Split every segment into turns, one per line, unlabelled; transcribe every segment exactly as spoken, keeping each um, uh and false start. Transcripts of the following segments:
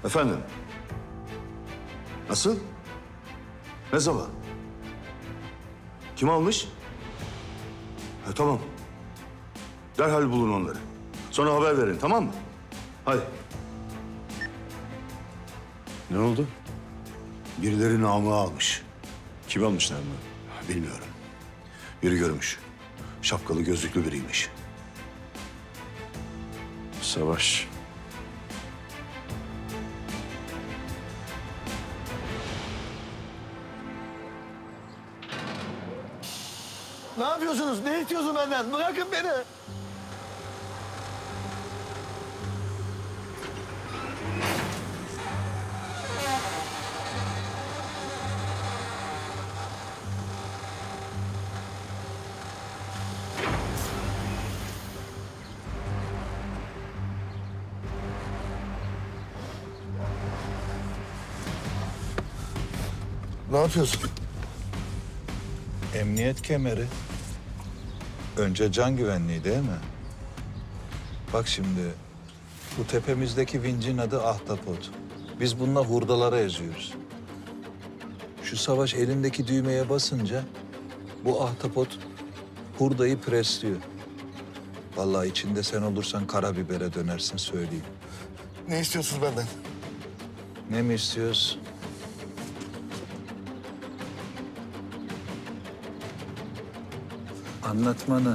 Efendim? Nasıl? Ne zaman? Kim almış? Ha, tamam. Derhal bulun onları. Sonra haber verin, tamam mı? Hadi.
Ne oldu?
Birileri namı almış.
Kim almışlar mı?
Bilmiyorum. Biri görmüş. Şapkalı gözlüklü biriymiş.
Savaş.
Ne yapıyorsunuz? Ne istiyorsun benden? Bırakın beni. Ne yapıyorsun?
Emniyet kemeri. Önce can güvenliği değil mi? Bak şimdi, bu tepemizdeki vincin adı Ahtapot. Biz bununla hurdalara eziyoruz. Şu Savaş elindeki düğmeye basınca bu ahtapot hurdayı presliyor. Vallahi içinde sen olursan karabibere dönersin söyleyeyim.
Ne istiyorsunuz benden?
Ne mi istiyoruz? Anlatmanı.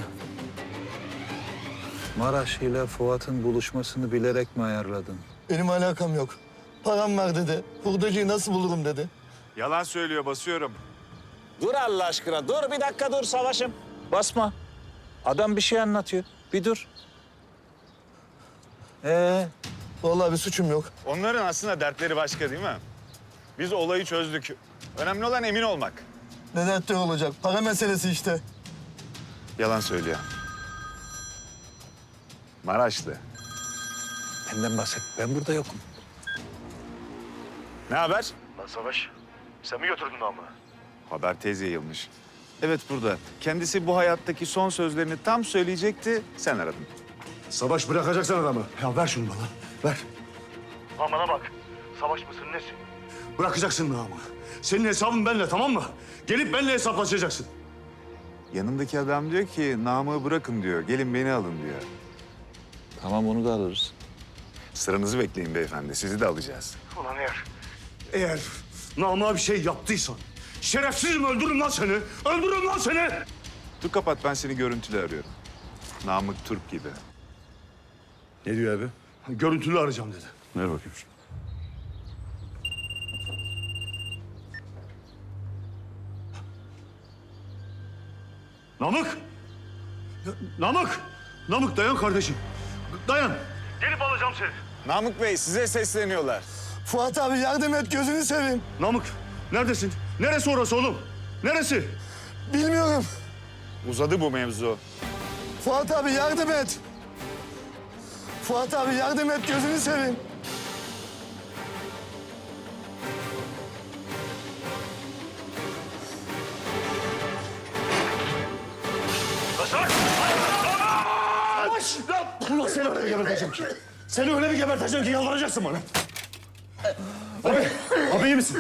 Maraş ile Fuat'ın buluşmasını bilerek mi ayarladın?
Benim alakam yok. Param var dedi. Hurdacıyı nasıl bulurum dedi.
Yalan söylüyor, basıyorum.
Dur Allah aşkına, dur bir dakika dur Savaş'ım. Basma. Adam bir şey anlatıyor. Bir dur. Ee,
Vallahi bir suçum yok.
Onların aslında dertleri başka değil mi? Biz olayı çözdük. Önemli olan emin olmak.
Ne dertleri olacak? Para meselesi işte.
Yalan söylüyor. Maraşlı.
benden bahset. Ben burada yokum.
Ne haber?
Lan Savaş, sen mi götürdün ama?
Haber tez yayılmış. Evet burada. Kendisi bu hayattaki son sözlerini tam söyleyecekti. Sen aradın.
Savaş bırakacaksın adamı. Ya ver şunu bana, ver.
Lan bana bak, Savaş mısın nesin?
Bırakacaksın namı. Senin hesabın benimle, tamam mı? Gelip benimle hesaplaşacaksın.
Yanındaki adam diyor ki namı bırakın diyor. Gelin beni alın diyor.
Tamam onu da alırız.
Sıranızı bekleyin beyefendi. Sizi de alacağız.
Ulan eğer
Eğer namığa bir şey yaptıysan, şerefsizim öldürürüm lan seni. Öldürürüm lan seni.
Dur kapat, ben seni görüntülü arıyorum. Namık Türk gibi.
Ne diyor abi?
Görüntülü arayacağım dedi.
Ver bakayım şunu.
Namık! Ya, Namık! Namık dayan kardeşim. Dayan.
gelip alacağım seni.
Namık Bey size sesleniyorlar.
Fuat abi yardım et, gözünü seveyim.
Namık neredesin? Neresi orası oğlum? Neresi?
Bilmiyorum.
Uzadı bu mevzu.
Fuat abi yardım et. Fuat abi yardım et, gözünü seveyim.
Ulan seni öyle bir geberteceğim ki. Seni öyle bir geberteceğim ki yalvaracaksın bana. Abi, abi iyi misin?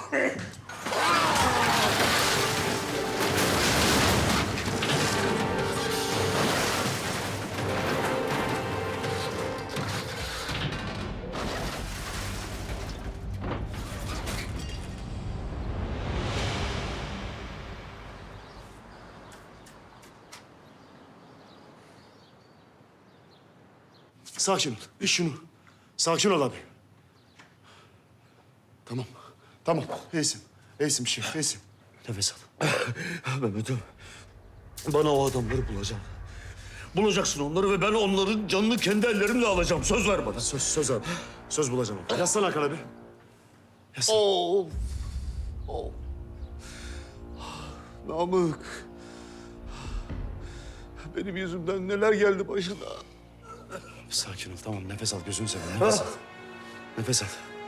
Sakin ol. İç şunu. Sakin ol abi. Tamam. Tamam. İyisin. İyisin bir şey. İyisin. Nefes al. Mehmet'im. Bana o adamları bulacağım. Bulacaksın onları ve ben onların canını kendi ellerimle alacağım. Söz ver bana. Söz, söz abi. Söz bulacağım. Yazsana Hakan abi. Yazsana.
Oo. Oo.
Namık. Benim yüzümden neler geldi başına. Sakin ol, tamam. Nefes al, gözünü seveyim. Nefes al. Nefes al.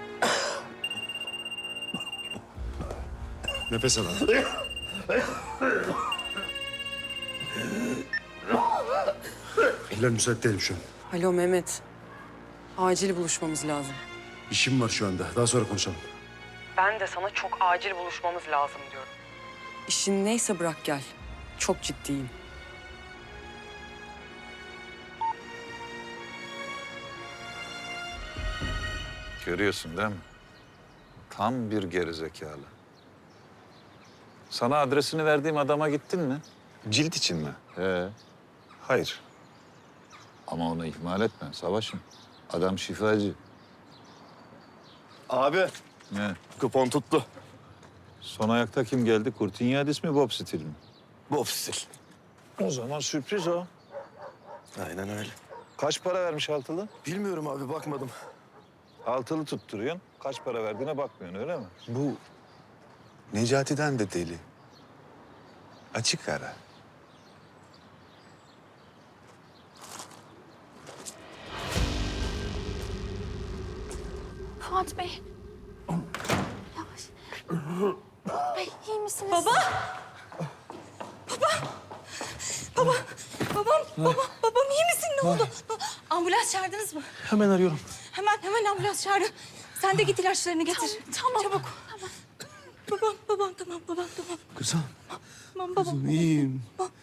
Nefes al abi. Eller müsait değilim şu an.
Alo Mehmet. Acil buluşmamız lazım.
İşim var şu anda. Daha sonra konuşalım.
Ben de sana çok acil buluşmamız lazım diyorum. İşin neyse bırak gel. Çok ciddiyim.
Görüyorsun değil mi? Tam bir gerizekalı. Sana adresini verdiğim adama gittin mi?
Cilt için mi?
He.
Hayır.
Ama onu ihmal etme Savaş'ım. Adam şifacı.
Abi
Ne?
kupon tuttu.
Son ayakta kim geldi? Kurtinyadis mi, Bob Stil mi?
Bob Stil.
O zaman sürpriz o.
Aynen öyle.
Kaç para vermiş altılı?
Bilmiyorum abi bakmadım.
Altılı tutturuyorsun. Kaç para verdiğine bakmıyorsun öyle mi?
Bu Necati'den de deli. Açık ara.
Fuat Bey. Yavaş. Bey iyi misiniz?
Baba! Baba! Babam, babam, babam iyi misin? Ne oldu? Ambulans çağırdınız mı?
Hemen arıyorum.
Hemen, hemen ambulans çağırın. Sen de git ilaçlarını getir.
Tamam.
Çabuk.
Tamam.
Babam, babam, tamam, babam, tamam.
Kızım.
Tamam, babam.
iyiyim.
Babam.